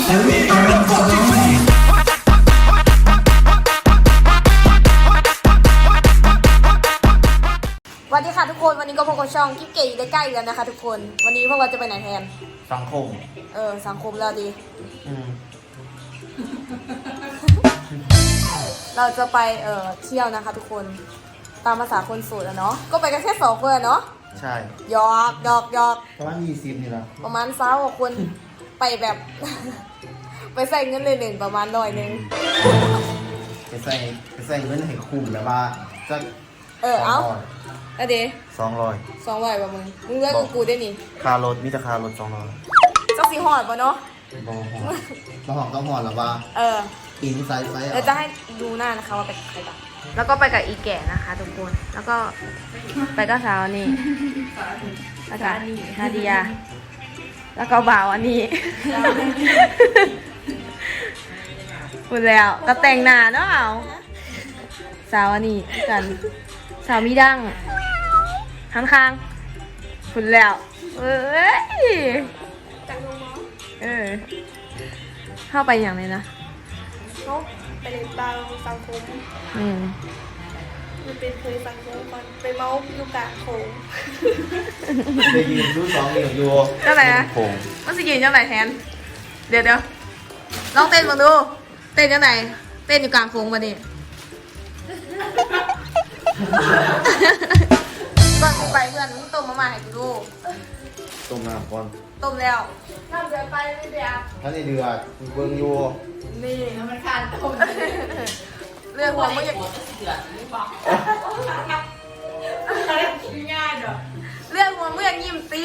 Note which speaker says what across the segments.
Speaker 1: สวัสดีค่ะทุกคนวันนี้ก็พบกับช่องคลิปเก๋ได้ใกล้กันนะคะทุกคนวันนี้พวกเราจะไปไหนแทน
Speaker 2: สังคม
Speaker 1: สังคมแล้วดีเราจะไปเที่ยวนะคะทุกคนตามภาษาคนโสดอะเนาะก็ไปกันแค่2 คนเนาะ
Speaker 2: ใช่
Speaker 1: หยอก
Speaker 2: ประมาณ20นี่แหละ
Speaker 1: ประมาณ20 คนไปแบบ ไปใส่เงินเลย1ประมาณ100
Speaker 2: ไปใส่เงินให้คุ้มแบบว่าจะ
Speaker 1: เอาอะเด
Speaker 2: 200
Speaker 1: ป่ะมึงเลือกกูได้นี่
Speaker 2: ค่ารถมีแต่ค่ารถ200
Speaker 1: จะสีหอดป่ะเนาะ
Speaker 2: บ่หอมต้องหอดหรอวะปีนไซส์
Speaker 1: เราจะให้ดูหน้านะคะว่าไปใครบ้างแล้วก็ไปกับอีแก่นะคะทุกคนแล้วก็ไปกับสาวนี่แล้วก็นาเดียแล้วก็บ่าวอันนี้พูดแล้วก็แต่งหน้าเนาะเอาสาวอันนี้กันสาวมีดังข้างพูดแล้วเข้าไปอย่างไรนะ
Speaker 3: เขาไปเล่นบาร์สังคมมันเป็นเคยสังคมก่อนไปเมาส์ลูกกาโขง
Speaker 2: ไปยืนดู2เหลี่ยมอยู่
Speaker 1: เจ้าไหนอะมันสิยืนเจ้าไหนแทนเดี๋ยวลองเต้นมาดูเต้นเจ้าไหนเต้นอยู่กลางโค้งมาดิก่อนกูไปเพื่อนมึงต้มมาให้กูดู
Speaker 2: ต้มน้ำก่อน
Speaker 1: ต้มแล้วน้ำเดือดไปไม่เดือด
Speaker 2: ถ้าในเดือดเบิ่งอยู่
Speaker 1: นี่มันขาดต้มเรื่องหัวมึงอยากง่ายเด้อเรื่องหัวมึงอยากยิ้มตี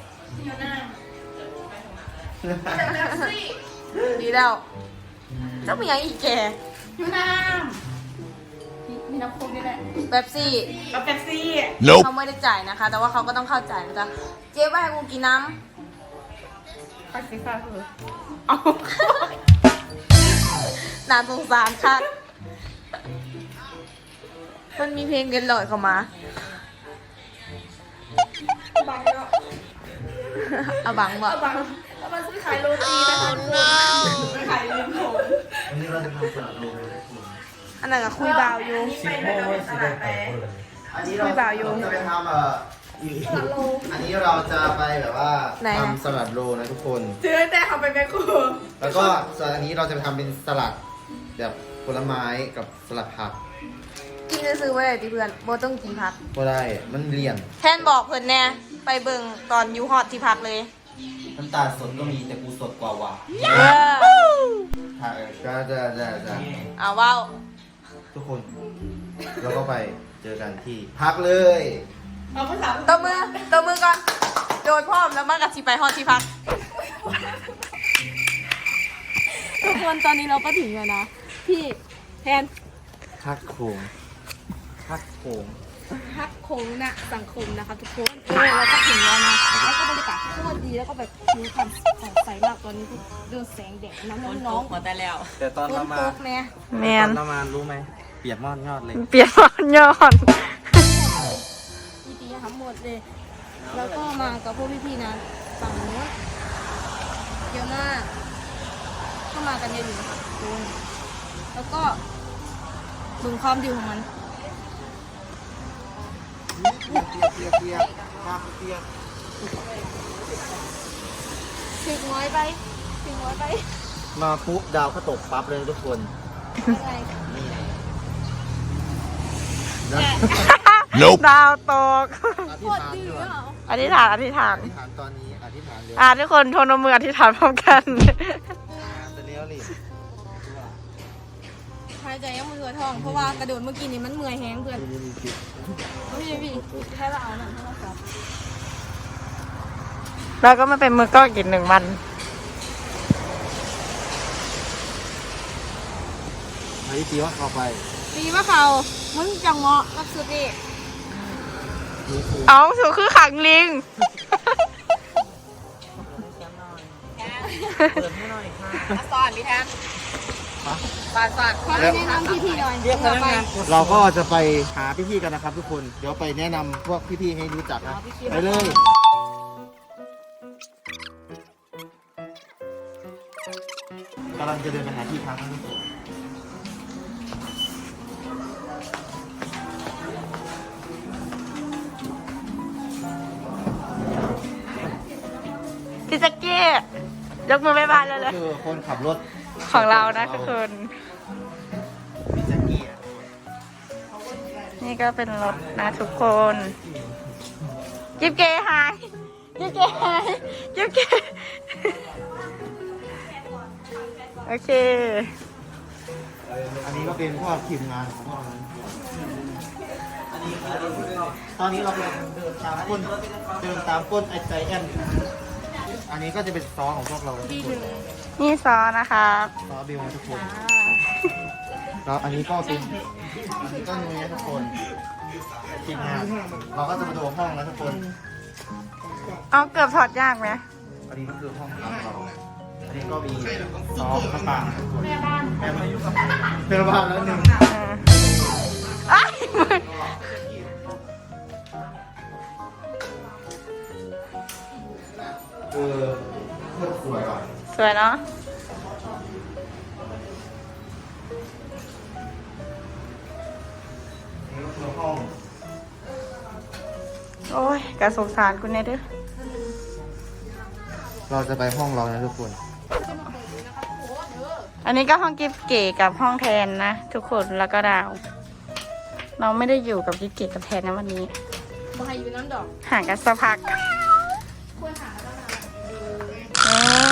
Speaker 1: ดีแล้วเจ้าเป็นยังอีกแก
Speaker 3: ยูน้ำมีน้ำโค้กด้วยแหละ
Speaker 1: เป๊ปซี่เขาไม่ได้จ่ายนะคะแต่ว่าเขาก็ต้องเข้าใจนะจ๊ะเจ๊ว่าให้กูกินน้ำ
Speaker 3: ไปสิค่ะคือ
Speaker 1: น่าสงสารค่ะมันมีเพลงเกินหลอดเข้ามา
Speaker 3: บังเนาะ
Speaker 1: เอาบังบ่
Speaker 3: เอาบังแล้วมันซื้อขายโรตีนะคะขายริมโขง
Speaker 2: วันนี้เราจะทำสลัดโล
Speaker 1: อันนั้นก็คุยบ่าวอยู่คุยบ่าวอยู่
Speaker 2: จะไปทำอันนี้เราจะไปแบบว่าทำสลัดโลนะทุกคน
Speaker 3: ซื้อแต่ทำไปแม่ครัว
Speaker 2: แล้วก็ส่วนอันนี้เราจะไปทำเป็นสลัดแบบผลไม้กับสลัดผัก
Speaker 1: กินซื้อไว้เลยดิเพื่อนโบต้องกินผัก
Speaker 2: ก็ได้มันเลี่ยน
Speaker 1: แทนบอกเพื่อนแน่ไปเบิ่งตอนยูฮอตที่พักเลย
Speaker 2: น้ำตาลสดก็มีแต่กูสดกว่าว่ะก็จะ
Speaker 1: เอาว้าว
Speaker 2: ทุกคนแล้วก็ไปเจอกันที่พักเลย
Speaker 3: เอาภาษา
Speaker 1: ตบมือก่อนโดยพร้อมแล้วมากับชีไปฮอตที่พักทุกคนตอนนี้เราก็ถึงแล้วนะพี่แทน
Speaker 2: พักโขง
Speaker 1: นะสังคมนะคะทุกคนเราก็ถึงแล้วนะแล้วก็บรรยากาศโคตรดีแล้วก็แบบผิวพรรณสดใสมากตอนนี้โดนแสงแดดน้อง
Speaker 2: มาแต่แล้วแต่ตอนประมาณรู้ไหมเปียกมอดยอดเลย
Speaker 1: เปียกมอดยอดดีๆทั้งหมดเลยแล้วก็มากับพวกพี่ๆนะฝั่งนู้นเยอะมากก็มากันเยอะอยู่นะคะทุกคนแล้วก็ดูความดีของมัน
Speaker 2: เปียก
Speaker 1: ถึงน้อยไป
Speaker 2: มาปุ๊บดาวก็ตกปั๊บเลยทุกคนนี่
Speaker 1: ดาวตก
Speaker 2: อธิษฐานตอนนี้
Speaker 1: ทุกคนโทนมืออธิษฐานพร้อมกัน
Speaker 2: จะเลี้ยวหลี
Speaker 1: หายใจยังมือท้องเพราะว่ากระโดดเมื่อกี้นี้มันเมื่อยแห้งเพื่อนพี่ให้เราเอาหน่อยให้เราจับแล้วก็มาเป็นมือก็กิน1 วัน
Speaker 2: ตีว่าเขาไป
Speaker 1: ตีว่าเขามึงจังเงาะรับสุดดิเอาสุดคือขังลิง
Speaker 2: เปิดให้หน่อยค่ะ
Speaker 1: สอนดิแทนสอนเขาแนะนำพี่ๆหน่อย
Speaker 2: เราก็จะไปหาพี่ๆกันนะครับทุกคนเดี๋ยวไปแนะนำพวกพี่ๆให้รู้จักนะไปเลยำลังจะเดินไปหาที่พักนะทุกคน
Speaker 4: พี่แจ็คกี้ยกมือบ๊ายบายเลยเลย
Speaker 2: คือคนขับรถ
Speaker 4: ของเรานะทุกคน
Speaker 2: พี่แจ็คกี้อะ
Speaker 4: นี่ก็เป็นรถนะทุกคน จิ๊บเกหายจิ๊บเกหายจิ๊บเกโอเค
Speaker 2: อันนี้ก็เป็นพวกทีมงานของพวกเราตอนนี้เรากำลังเดินตามก้นไอใจแอนอันนี้ก็จะเป็นซอของพวกเราทุกคน
Speaker 4: นี่ซอนะครับ
Speaker 2: ซอบิวนะทุกคนแล้วอันนี้ก็เป็นนุ้ยนะทุกคนทีมงานเราก็จะมาดูห้องนะทุกคน
Speaker 4: เอาเกือบถอดยากไหม
Speaker 2: อันนี้ก็คือห้องของเราอันนี้ก็มีซอมะปรางทุกคนแม่บ้านแล้วหนึ่ง
Speaker 4: เอ้ย
Speaker 2: โคตรสวยว่ะ
Speaker 4: สวยเนาะ
Speaker 2: อันนี้ก็คือห้อง
Speaker 4: โอ้ยกระสงสารคุณเนี่ยเด้อ
Speaker 2: เราจะไปห้องเรานะทุกคน
Speaker 4: อันนี้ก็ห้องกิฟเก๋กับห้องแทนนะทุกคนแล้วก็ดาว เราไม่ได้อยู่กับกิฟเก๋กับแทนนะวันนี้
Speaker 1: บายอยู่น้ำดอก
Speaker 4: ห่างกันสักพัก
Speaker 1: ควรหาแล้วนะ
Speaker 4: เออ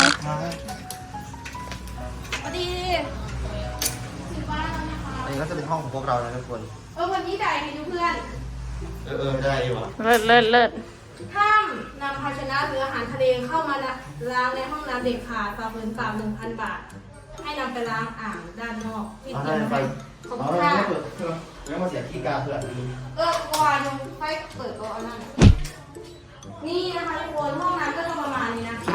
Speaker 1: พอดีถึงบ้านแล้วนะคะ
Speaker 2: อันนี้ก็จะเป็นห้องของพวกเรานะทุกคน
Speaker 1: วันนี้ได้ให้ดูเพื่อน
Speaker 2: ได้อยู่อ่ะ
Speaker 4: เลิศเลิศเลิศ
Speaker 1: ห้ามนำภาชนะหรืออาหารทะเลเข้ามาล้างในห้องน้ำเด็กขาดฝ่าฝืนปรับ 1,000 บาท ให้นำไปล้างอ่างด้านนอกที่
Speaker 2: เอา
Speaker 1: เตรี
Speaker 2: ได้
Speaker 1: ยม
Speaker 2: ไป
Speaker 1: ไว้ขอบ
Speaker 2: เอา
Speaker 1: คุณ
Speaker 2: ได้
Speaker 1: ค่ะ
Speaker 2: ไม่เปิดเครื่องแล้วมาเสียที่กาเพื่อน
Speaker 1: วานยังไฟเปิดตัวอันนั้นนี่นะคะทุกคนห้องน้ำก็จะประมาณนี้นะ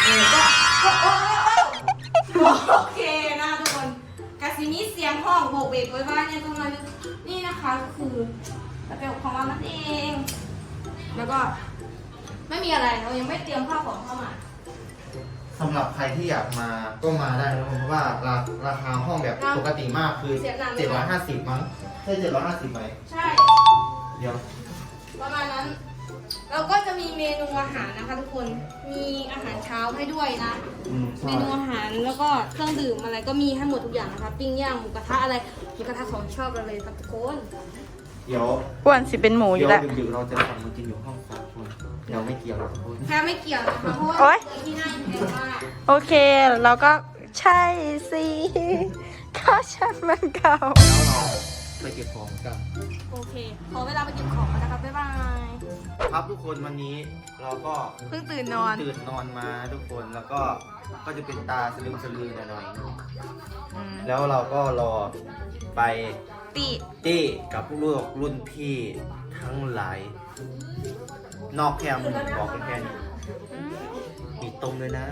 Speaker 1: โอเคนะทุกคนกาซินี้เสียงห้องโบกเบกไว้บ้านเนี่ยตรงนั้นนี่นะคะก็คือระเบียบของเรานั่นเอง แล้วก็ไม่มีอะไรเรายังไม่เตรียมข้าวของเข้ามา
Speaker 2: สำหรับใครที่อยากมาก็มาได้นะเพราะว่าราคาห้องแบบปกติมากคือ750มั้งใช่750ไหม
Speaker 1: ใช่
Speaker 2: เดี๋ยว
Speaker 1: ประมาณนั้น เราก็จะมีเมนูอาหารนะคะทุกคน มีอาหารเช้าให้ด้วยนะ เม
Speaker 2: ใช่
Speaker 1: นูอาหารแล้วก็เครื่องดื่มอะไรก็มีให้หมดทุกอย่างนะคะ ปิ้งย่างหมูกระทะอะไรหมูกระทะของชอบเราเลยครับทุกคน
Speaker 2: เดี๋ยว
Speaker 4: อ้วนสิเป็นหมูอยู่แล้ว
Speaker 2: ดึกๆเราจะสั่งมากินอยู่ห้อง3 คนเดี๋ยวไม่เกี่ยวหรอกทุกคน
Speaker 1: แค่ไม่เกี่ยวนะคะเพราะว่า
Speaker 4: โอ๊ย
Speaker 1: ที่นั่นแพงมาก
Speaker 4: โอเคเราก็ใช่สิก็ฉันมันเก่า
Speaker 2: แล้วเราไปเก็บของกัน
Speaker 1: โอเค ขอเวลาไปเก็บของกันนะครับบ๊ายบาย
Speaker 2: ครับทุกคนวันนี้เราก็
Speaker 1: เพิ่งตื่นนอน
Speaker 2: ตื่นนอนมาทุกคนแล้วก็จะเป็นตาสลืมสลือหน่อยๆแล้วเราก็รอไป
Speaker 4: ติ
Speaker 2: ตี้กับลูกรุ่นพี่ทั้งหลาย นอกแคมบอกแค่นี้มีต้มเลยนะ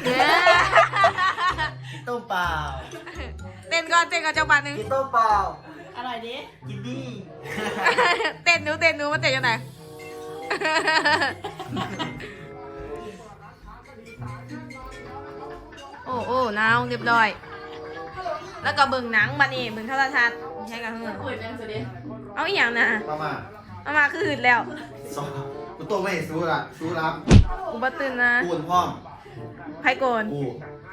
Speaker 2: มีต้มเปล่า
Speaker 4: เต้นก่อนจังหวะหนึ่ง
Speaker 2: มีต้มเปล่า
Speaker 4: อร่อยดิ
Speaker 2: กินดี
Speaker 4: เต้นหนูมันเต้นยังไง โอ้นาวเรียบร้อย แล้วก็เบิ่งหนังมานี่เบิ่งโทรทัศน์ใช่กันเถอะเอาอีกอย่างนะ
Speaker 2: ประมาณ
Speaker 4: เอามาคือหืดแล้ว
Speaker 2: สองกูต้มไม่สู้ละสู้รับ
Speaker 4: อุบัตินะ
Speaker 2: ปูนพร้อม
Speaker 4: ไพโกน
Speaker 2: กู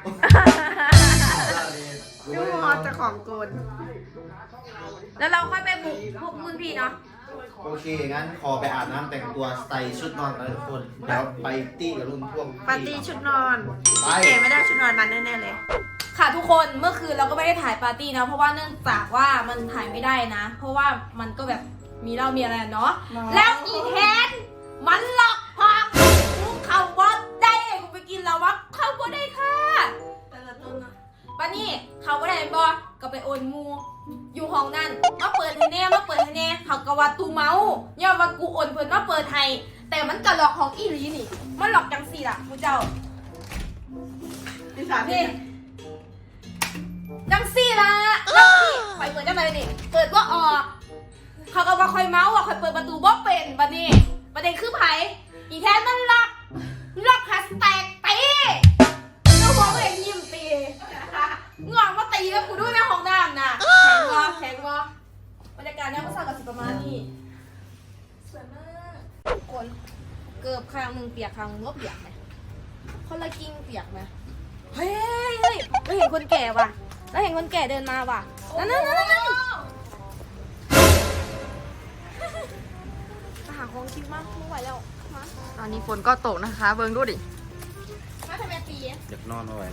Speaker 4: ยูฮอตจะของโกนแล้วเราค่อยไปบุกพวกรุ่นพี่เนาะ
Speaker 2: โอเค งั้นขอไปอาบน้ำแต่งตัวใส่ชุดนอนกันทุกคนแล้วไปตี้กับรุ่นพวก
Speaker 4: ปาร์ตี้ชุดนอน
Speaker 2: ไป
Speaker 4: เก๋ไม่ได้ชุดนอนมันแน่ๆเลย
Speaker 1: ค่ะทุกคนเมื่อคืนเราก็ไม่ได้ถ่ายปาร์ตี้นะเพราะว่าเนื่องจากว่ามันถ่ายไม่ได้นะ เพราะว่ามันก็แบบมีเหล้ามีอะไรเนาะแล้วอีแทนมันหลอกพอกกูเข้าบ่ได้กูไปกินแล้ววะเข้าบ่ได้ค่ะป้านี่เขาบ่ได้บ่ก็ไปโอนมูอยู่ห้องนั่นมาเปิดให้แน่เขาก็ว่าตูเมาย่อมว่ากูโอนเพิ่นมาเปิดให้แต่มันก็หลอกของอีหลีนี่มันหลอกจังสี่ล่ะกูเจ้านี่จังสี่ละจังสี่คอยเปิดจังไรนี่เปิดว่าออกเขาก็ว่าคอยเมาส์ว่าคอยเปิดประตูบ่เป็นบัดนี้ประเด็นคือไผอีแทนมันล็อกแฮชแท็กตีเจ้าของเองยิ้มตีข้างหนึ่งเปียกข้างหนึ่งก็เปียกไหมคนละกิ้งเปียกไหมเฮ้ยเราเห็นคนแก่ว่ะเราเห็นคนแก่เดินมาว่ะนั่นมาหาของกินมากไม่ไหวแล้วมา
Speaker 4: ตอนนี้ฝนก็ตกนะคะ เบิ่งดูดิ
Speaker 1: มาทำไมตี
Speaker 2: อยากนอนไม่ไหวแล้ว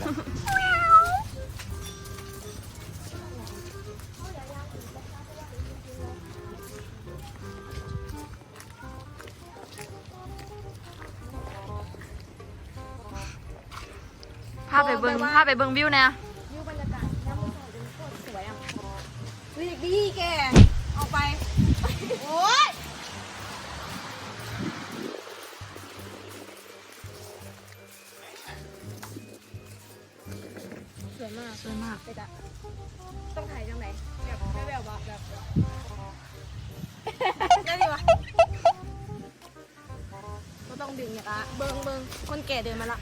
Speaker 4: พาไปเบิ่งวิวเนี่ย
Speaker 1: วิวบรรยากาศน้ำมันใสเป็นโคตรสวยอ่ะวิวดีแกออกไปโอ๊ยสวยมาก
Speaker 4: สวยมาก
Speaker 1: ไปจ้ะต้องถ่ายจังไหนแบบไม่แบบว่าแบบได้ดีวะก็ต้องดึงอย่างละเบิงคนแก่เดินมาละ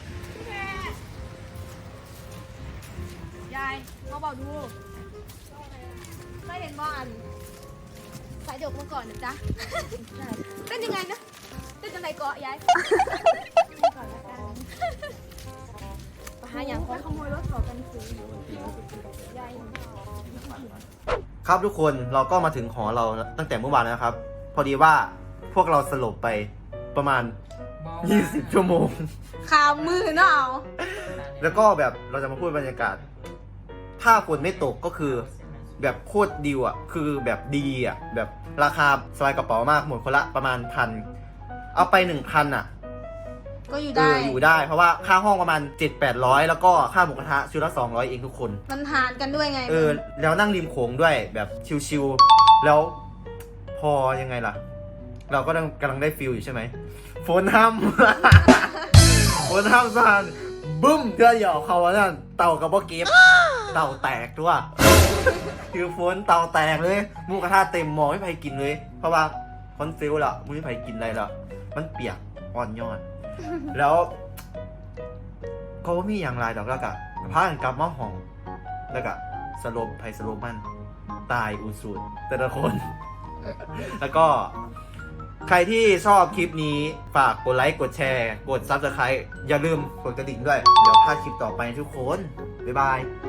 Speaker 1: ยายเขาบอกดูเคยเห็นบ่อันสายดกเมื่อก่อนนะจ๊ะเต้นยังไงนะเต้นจังไหนเกาะยายก่อนละกันไปหาอย่างของขโมยรถเขากันซื้อยาย
Speaker 2: ครับทุกคนเราก็มาถึงหอเราตั้งแต่เมื่อวานแล้วนะครับ พอดีว่าพวกเราสลบไปประมาณ 20 ชั่วโมง
Speaker 1: ขามือเนาะ
Speaker 2: แล้วก็แบบเราจะมาพูดบรรยากาศ ถ้าฝนไม่ตกก็คือแบบโคตรดีอ่ะ คือแบบดีอ่ะ แบบราคาสบายกระเป๋ามากหมดคนละประมาณ1,000 เอาไป 1,000 อ่ะ
Speaker 1: ก็อยู่ได้
Speaker 2: อยู่ได้ เพราะว่าค่าห้องประมาณ 700-800 แล้วก็ค่าหมูกระทะชุดละ200เองทุกคน
Speaker 1: มันหารกันด้วยไง
Speaker 2: แล้วนั่งริมโขงด้วยแบบชิลๆแล้วพอยังไงล่ะ เราก็กำลังได้ฟิลอยู่ใช่ไหมฝนห้ำ ฝนห้ำซานบึ้มเธอหยอกเขาว่านั่นเต่ากับพ่อเก็บเต่าแตกด้วย คือฝนเต่าแตกเลยหมูกระทะเต็มหม้อไม่ใครกินเลย เพราะว่าคอนฟิลละไม่ใครกินอะไรละมันเปียกอ่อนยอด แล้วก็ไม่มีอย่างไรดอกแล้วก็พากันกลับมาห้องแล้วก็สลบไผสลบมันตายอุสูดแต่ละคน แล้วก็ใครที่ชอบคลิปนี้ฝากกดไลค์กดแชร์กด Subscribe อย่าลืมกดกระดิ่งด้วย เดี๋ยวพลาดคลิปต่อไปทุกคน บ๊ายบาย